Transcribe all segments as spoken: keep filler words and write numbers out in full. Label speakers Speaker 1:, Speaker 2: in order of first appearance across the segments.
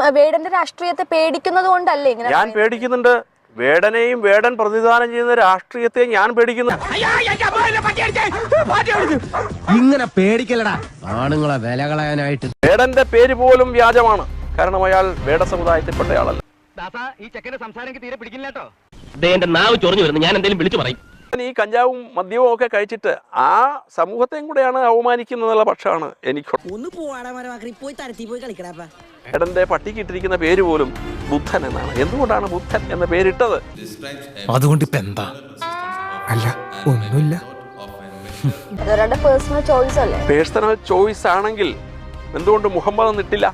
Speaker 1: വേടന്റെ രാഷ്ട്രീയത്തെ പേടിക്കുന്നത് കൊണ്ടല്ലേ ഇങ്ങനെ?
Speaker 2: ഞാൻ പേടിക്കുന്നുണ്ട്. വേടനെയും വേടൻ പ്രതിദാനം ചെയ്യുന്ന രാഷ്ട്രീയത്തെ ഞാൻ പേടിക്കുന്നു.
Speaker 3: ഇങ്ങനെ പേടിക്കലടാ ആണുങ്ങളെ വില കളയാനായിട്ട്.
Speaker 2: വേടന്റെ പേര് പോലും വ്യാജമാണ്. കാരണം അയാൾ വേട സമുദായത്തിൽപ്പെട്ടയാളല്ല.
Speaker 4: ഈ ചെക്കന്റെ സംസാരം തീരെ പിടിക്കില്ല കേട്ടോ. എന്റെ നാവ് ചൊറിഞ്ഞു വരുന്നു. ഞാൻ എന്തെങ്കിലും വിളിച്ചു പറയും.
Speaker 2: ഈ കഞ്ചാവും മദ്യവും ഒക്കെ കഴിച്ചിട്ട് ആ സമൂഹത്തെയും കൂടെയാണ് അവമാനിക്കുന്നുള്ള പക്ഷമാണ് എനിക്ക്. വേടന്റെ പട്ടിക്ക് ഇട്ടിരിക്കുന്ന പേര് പോലും ബുദ്ധൻ എന്നാണ്. എന്തുകൊണ്ടാണ് ബുദ്ധൻ എന്ന പേരിട്ടത്?
Speaker 3: അതുകൊണ്ട് ഇപ്പൊ എന്താ? അല്ല ഒന്നുമില്ല.
Speaker 1: പേഴ്സണൽ ചോയ്സ് അല്ലേ?
Speaker 2: പേഴ്സണൽ ചോയ്സ് ആണെങ്കിൽ എന്തുകൊണ്ട് മുഹമ്മദ് എന്നിട്ടില്ല?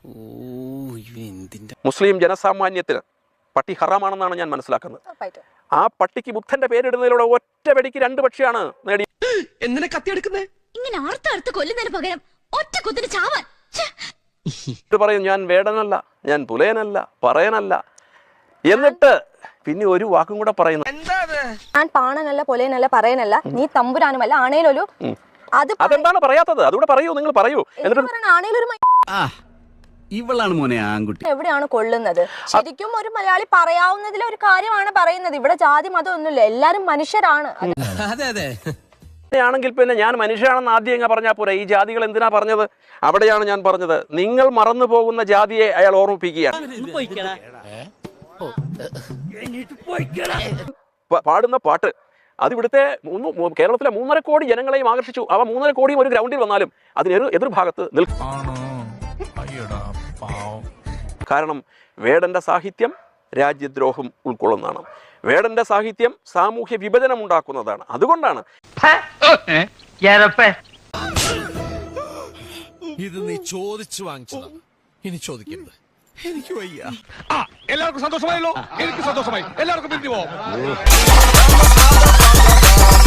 Speaker 2: മുസ്ലിം ജനസാമാന്യത്തിന് പട്ടി ഹറാമാണെന്നാണ് ഞാൻ മനസ്സിലാക്കുന്നത്. ആ പട്ടിക്ക് ബുദ്ധന്റെ പേരിടുന്നതിലൂടെ ഒറ്റ വെടിക്ക് രണ്ട് പക്ഷിയാണ് നേടി.
Speaker 5: എന്തിനാ കത്തിയെടുക്കുന്നേ?
Speaker 6: ഇങ്ങനെ അർത്ഥ കൊല്ലുന്നതിന് പകരം ഒറ്റ കുത്തിന് ചാവാൻ.
Speaker 2: പറയും ഞാൻ വേടനല്ല, ഞാൻ പുലയനല്ല, പറയനല്ല, എന്നിട്ട് പിന്നെ ഒരു വാക്കും കൂടെ പറയുന്നു.
Speaker 1: ഞാൻ പാണനല്ല, പൊലയനല്ല, പറയനല്ല, നീ തമ്പുരാനുമല്ല, ആണേലൊരു.
Speaker 2: അതെന്താണ് പറയാത്തത്? അതുകൂടെ പറയൂ, നിങ്ങൾ പറയൂ.
Speaker 1: ആണേലൊരു
Speaker 5: ഇവളാണ് മോനെ ആൺകുട്ടി.
Speaker 1: എവിടെയാണ് കൊള്ളുന്നത്? ശരിക്കും ഒരു മലയാളി പറയാവുന്നതിലെ ഒരു കാര്യമാണ് പറയുന്നത്. ഇവിടെ ജാതി മതം ഒന്നുമില്ല, എല്ലാരും മനുഷ്യരാണ്.
Speaker 3: അതെ അതെ.
Speaker 2: ആണെങ്കിൽ പിന്നെ ഞാൻ മനുഷ്യനാണെന്ന് ആദ്യം എങ്ങനെ പറഞ്ഞാൽ പോരാ? ഈ ജാതികൾ എന്തിനാ പറഞ്ഞത്? അവിടെയാണ് ഞാൻ പറഞ്ഞത്. നിങ്ങൾ മറന്നു പോകുന്ന ജാതിയെ അയാൾ ഓർമ്മിപ്പിക്കുകയാണ്. പാടുന്ന പാട്ട് അത് ഇവിടുത്തെ മൂന്ന് കേരളത്തിലെ മൂന്നര കോടി ജനങ്ങളെയും ആകർഷിച്ചു. അവ മൂന്നര കോടിയും ഒരു ഗ്രൗണ്ടിൽ വന്നാലും അതിന് എതിർഭാഗത്ത് നിൽക്കും. കാരണം വേടന്റെ സാഹിത്യം രാജ്യദ്രോഹം ഉൾക്കൊള്ളുന്നതാണ്. വേടന്റെ സാഹിത്യം സാമൂഹ്യ വിഭജനം ഉണ്ടാക്കുന്നതാണ്. അതുകൊണ്ടാണ്
Speaker 3: ഇത് നീ ചോദിച്ചു വാങ്ങിച്ചതാ, ഇനി ചോദിക്കരുത്. എനിക്ക് വയ്യ.
Speaker 5: എല്ലാവർക്കും സന്തോഷമായല്ലോ? എനിക്ക് സന്തോഷമായി. എല്ലാവർക്കും പിരിഞ്ഞു പോവാം.